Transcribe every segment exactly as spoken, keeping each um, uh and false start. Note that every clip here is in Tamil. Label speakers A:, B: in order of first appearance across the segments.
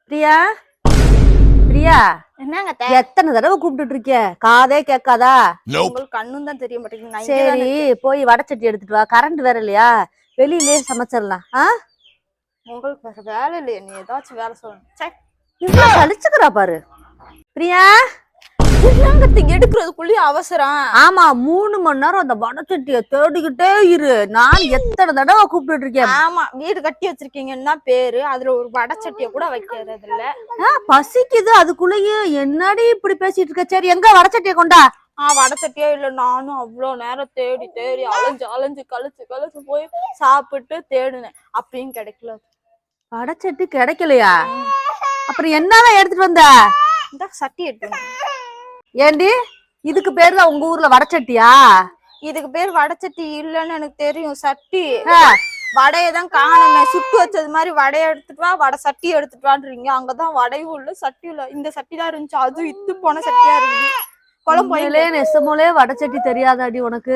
A: பிரியா பிரியா
B: என்னங்க
A: எத்தனை தடவை கூப்பிட்டு இருக்க காதே கேட்காதா?
B: உங்களுக்கு கண்ணும் தான் தெரிய மாட்டேங்குது.
A: சரி போய் வடச்சட்டி எடுத்துட்டு வா. கரண்ட் வேற இல்லையா? வெளியிலே சமைச்சிடலாம். ஆ
B: உங்களுக்கு வேற வேலை இல்லையா? நீ ஏதாச்சும் வேலை சொல்லணும்.
A: இவ்வளவு சலிச்சுக்கிறா பாரு பிரியா.
B: எடுக்கிறதுக்குள்ளேயும் அவசரம்.
A: ஆமா, மூணு மணி நேரம் அந்த வடச்சட்டிய தேடிக்கிட்டே இரு. நான் எத்தனை தடவை கூப்பிட்டு இருக்கேன்.
B: ஆமா, வீடு கட்டி வச்சிருக்கீங்கன்னா பேரு, அதுல ஒரு வடச்சட்டிய கூட வைக்கிறது இல்ல.
A: பசிக்குது அதுக்குள்ளேயே என்னடி இப்படி பேசிட்டு இருக்க? சரி எங்க வடச்சட்டிய கொண்டா.
B: ஆஹ் வடச்சட்டியே இல்ல. நானும் அவ்வளவு நேரம் தேடி தேடி அலைஞ்சு அலைஞ்சு கழிச்சு கழிச்சு போய் சாப்பிட்டு தேடுனேன், அப்பயும் கிடைக்கல.
A: வடச்சட்டி கிடைக்கலையா? அப்புறம் என்னதான் எடுத்துட்டு வந்த?
B: இந்த சட்டி எடுத்து.
A: ஏண்டி இதுக்கு பேரு தான் உங்க ஊர்ல வடச்சட்டியா?
B: இதுக்கு பேர் வடச்சட்டி இல்லன்னு எனக்கு தெரியும். சட்டி வடையதான் காணுமே. சுட்டு வச்சது மாதிரி வடையை எடுத்துட்டு வா, வடை சட்டி எடுத்துட்டு வான்றீங்க. அங்கதான் வடையும் இல்ல சட்டியும் இல்ல. இந்த சட்டி தான் இருந்துச்சு, அதுவும் இத்து போன சட்டியா இருக்குது. குழம்புலே
A: நெசமோலே வடச்சட்டி தெரியாதாடி உனக்கு?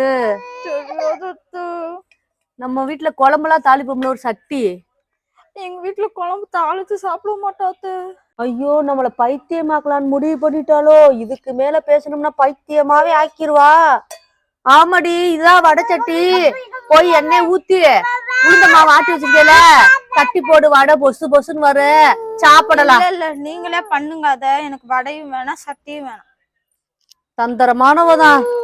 A: நம்ம வீட்டுல குழம்புலாம் தாளிப்போம்ல ஒரு சட்டி.
B: எங்க வீட்டுல குழம்பு தாளிச்சு சாப்பிட மாட்டாத்து.
A: ஐயோ, நம்மள பைத்தியமாக்கலான்னு முடிவு பண்ணிட்டாலோ? இதுக்கு மேல பேசணும்னா பைத்தியமாவே ஆக்கிருவா. ஆமாடி, இதுதான் வடச்சட்டி. போய் எண்ணெய் ஊத்தி உளுந்த மாவு ஆட்டி வச்சிருக்கல, தட்டி போடு. வடை பொசு பொசுன்னு வர சாப்பிடலாம்.
B: இல்ல நீங்களே பண்ணுங்க. அத எனக்கு வடையும் வேணாம் சட்டியும் வேணாம்.
A: தந்திரமானவதான்.